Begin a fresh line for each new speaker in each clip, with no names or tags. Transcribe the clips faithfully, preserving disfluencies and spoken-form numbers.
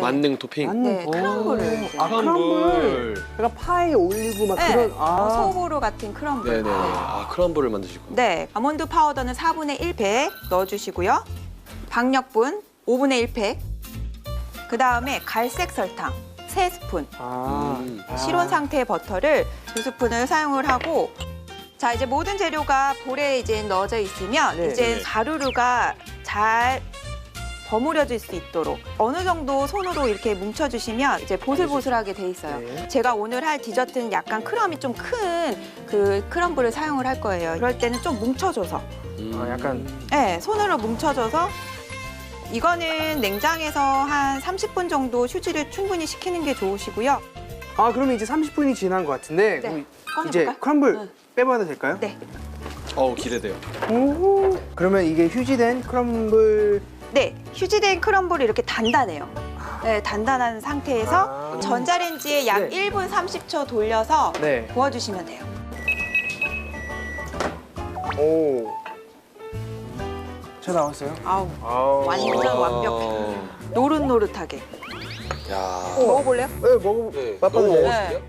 만능 토핑.
만능
네,
오.
크럼블을 이제.
아, 크럼블. 그러니까 파에 올리고 막
네,
그런.
어,
아.
소보로 같은 크럼블.
네네. 아 크럼블을 만드실 거예요.
네, 아몬드 파우더는 사분의 일 팩 넣어주시고요. 박력분 오분의 일 팩. 그 다음에 갈색 설탕 세 스푼.
아.
음.
아.
실온 상태의 버터를 두 스푼을 사용을 하고, 자 이제 모든 재료가 볼에 이제 넣어져 있으면
네.
이제
네.
가루류가 잘 버무려질 수 있도록 어느 정도 손으로 이렇게 뭉쳐주시면 이제 보슬보슬하게 돼 있어요.
네.
제가 오늘 할 디저트는 약간 크럼이 좀 큰 그 크럼블을 사용을 할 거예요. 그럴 때는 좀 뭉쳐줘서,
음.
아, 약간.
네, 손으로 뭉쳐줘서. 이거는 냉장에서 한 삼십 분 정도 휴지를 충분히 식히는 게 좋으시고요.
아, 그러면 이제 삼십 분이 지난 것 같은데.
네.
그럼
꺼내볼까요?
이제 크럼블
응.
빼봐도 될까요?
네.
어우 기대돼요.
오. 그러면 이게 휴지된 크럼블.
네, 휴지된 크럼블이 이렇게 단단해요. 네, 단단한 상태에서
아.
전자레인지에 약
네.
일 분 삼십 초 돌려서
네.
구워주시면 돼요.
오. 잘 나왔어요?
아우,
아우.
완전
와.
완벽해. 노릇노릇하게.
야.
먹어볼래요?
네, 먹어.
네.
맛봐도
너무
돼요?
먹었을게요?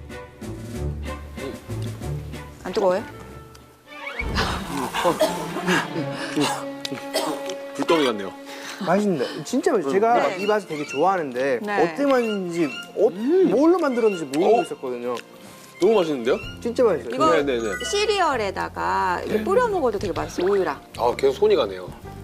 안 뜨거워요?
불덩이 같네요.
맛있는데 진짜 맛있어요. 제가
네.
막 이 맛을 되게 좋아하는데
네.
어떻게 만드는지 어, 뭘로 만들었는지 모르고
어?
있었거든요.
너무 맛있는데요?
진짜 맛있어요.
이거
네네네.
시리얼에다가 이렇게 뿌려 먹어도 되게 맛있어요, 우유랑.
아 계속 손이 가네요.